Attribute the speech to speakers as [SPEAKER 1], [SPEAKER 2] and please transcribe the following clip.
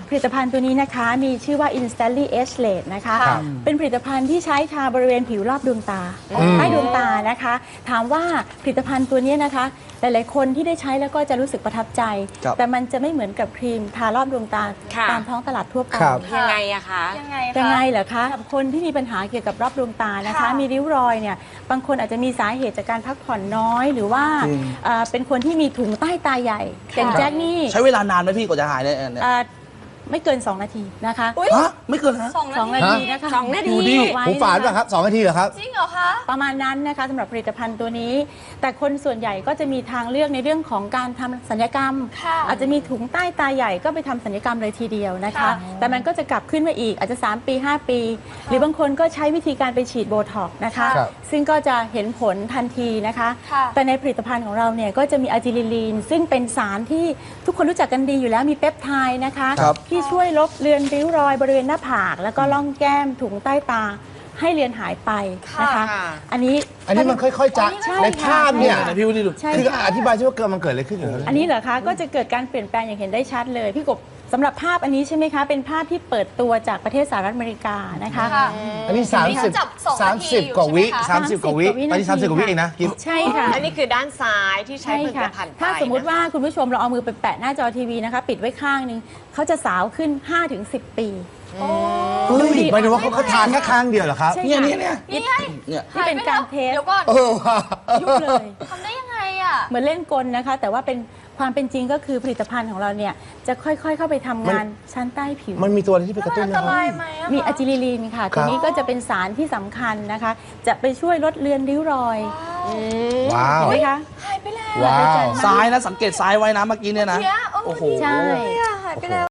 [SPEAKER 1] ผลิตภัณฑ์ตัวนี้นะคะมีชื่อว่า Instantly Age Late นะคะเป็นผลิตภัณฑ์ที่ใช้ทาบริเวณผิวรอบดวงตาใต้ดวงตานะคะถามว่าผลิตภัณฑ์ตัวนี้นะคะหลายๆคนที่ได้ใช้แล้วก็จะรู้สึกประทับใจแต่มันจะไม่เหมือนกับครีมทารอบดวงตาตามท้องตลาดทั่วไป
[SPEAKER 2] ยังไงอะคะ
[SPEAKER 1] ยังไงเหรอคะคนที่มีปัญหาเกี่ยวกับรอบดวงตานะคะมีริ้วรอยเนี่ยบางคนอาจจะมีสาเหตุจากการพักผ่อนน้อยหรือว่าเป็นคนที่มีถุงใต้ตาใหญ่อย่างแจ็คนี่
[SPEAKER 3] ใช้เวลานานไหมพี่กว่าจะหายเนี่ย
[SPEAKER 1] ไม่เกิน2 นาทีนะคะ
[SPEAKER 3] ไม่เกินฮะ
[SPEAKER 1] 2 นาทีนะคะ
[SPEAKER 2] 2 นาที
[SPEAKER 4] หูฝาดป่ะครับ2 นาทีเหรอครับ
[SPEAKER 5] จริงเหรอคะ
[SPEAKER 1] ประมาณนั้นนะคะสำหรับผลิตภัณฑ์ตัวนี้แต่คนส่วนใหญ่ก็จะมีทางเลือกในเรื่องของการทำศัลยกรรมอาจจะมีถุงใต้ตาใหญ่ก็ไปทำศัลยกรรมเลยทีเดียวนะคะแต่มันก็จะกลับขึ้นมาอีกอาจจะ3 ปี 5 ปีหรือบางคนก็ใช้วิธีการไปฉีดโบท็อกซ์นะคะซึ่งก็จะเห็นผลทันทีนะคะแต่ในผลิตภัณฑ์ของเราเนี่ยก็จะมีอะจิลิลีนซึ่งเป็นสารที่ทุกคนรู้จักกันดีอยู่แล้วมีเปปไทด์นะคะที่ช่วยลบเลือนริ้วรอยบริเวณหน้าผากแล้วก็ล่องแก้มถุงใต้ตาให้เลือนหายไปนะคะอันนี้
[SPEAKER 4] มันค่อยๆจะในภาพเนี่ย
[SPEAKER 3] พี่วุฒิดู
[SPEAKER 4] คืออธิบายใช่ว่ามันเกิดอะไรขึ้นเหรอ
[SPEAKER 1] อันนี้เหรอคะก็จะเกิดการเปลี่ยนแปลงอย่างเห็นได้ชัดเลยพี่กบสำหรับภาพอันนี้ใช่ไหมคะเป็นภาพที่เปิดตัวจากประเทศสหรัฐอเมริกานะคะ
[SPEAKER 4] อันนี้30 กว่าวิ30 กว่าวิอันนี้30 กว่าวิเองนะ
[SPEAKER 1] ใช่ค่ะ
[SPEAKER 2] อันนี้คือด้านซ้ายที่ใช้ผลิตภัณฑ์
[SPEAKER 1] ถ้าสมมุติว่าคุณผู้ชมเราเอามือไปแปะหน้าจอทีวีนะคะปิดไว้ข้างนึงเขาจะสาวขึ้น 5-10 ปี
[SPEAKER 4] หมายถึงว่าเขาทานแค่ข้างเดียวเหรอครับ
[SPEAKER 3] เนี่ย
[SPEAKER 1] ที่เป็นการเทสยุบเลย
[SPEAKER 5] ทำได้ยังไงอ่ะ
[SPEAKER 1] เหมือนเล่นกลนะคะแต่ว่าเป็นความเป็นจริงก็คือผลิตภัณฑ์ของเราเนี่ยจะค่อยๆเข้าไปทำงานชั้นใต้ผิว
[SPEAKER 4] มันมีตัวอะไรที่ไปกระตุ้น
[SPEAKER 5] นะครับ
[SPEAKER 1] มีอะจิลิลีนค่ะตัวนี้ก็จะเป็นสารที่สำคัญนะคะจะไปช่วยลดเลือนริ้วรอย
[SPEAKER 4] ว้าว
[SPEAKER 1] เห็นไหมคะ
[SPEAKER 5] หายไปแล้ว
[SPEAKER 4] ว้าว
[SPEAKER 3] ซ้ายนะสังเกตซ้ายไว้นะเมื่อกี้เนี่ยนะ
[SPEAKER 5] โอ้โห
[SPEAKER 1] ใช่
[SPEAKER 5] หายไปแล้ว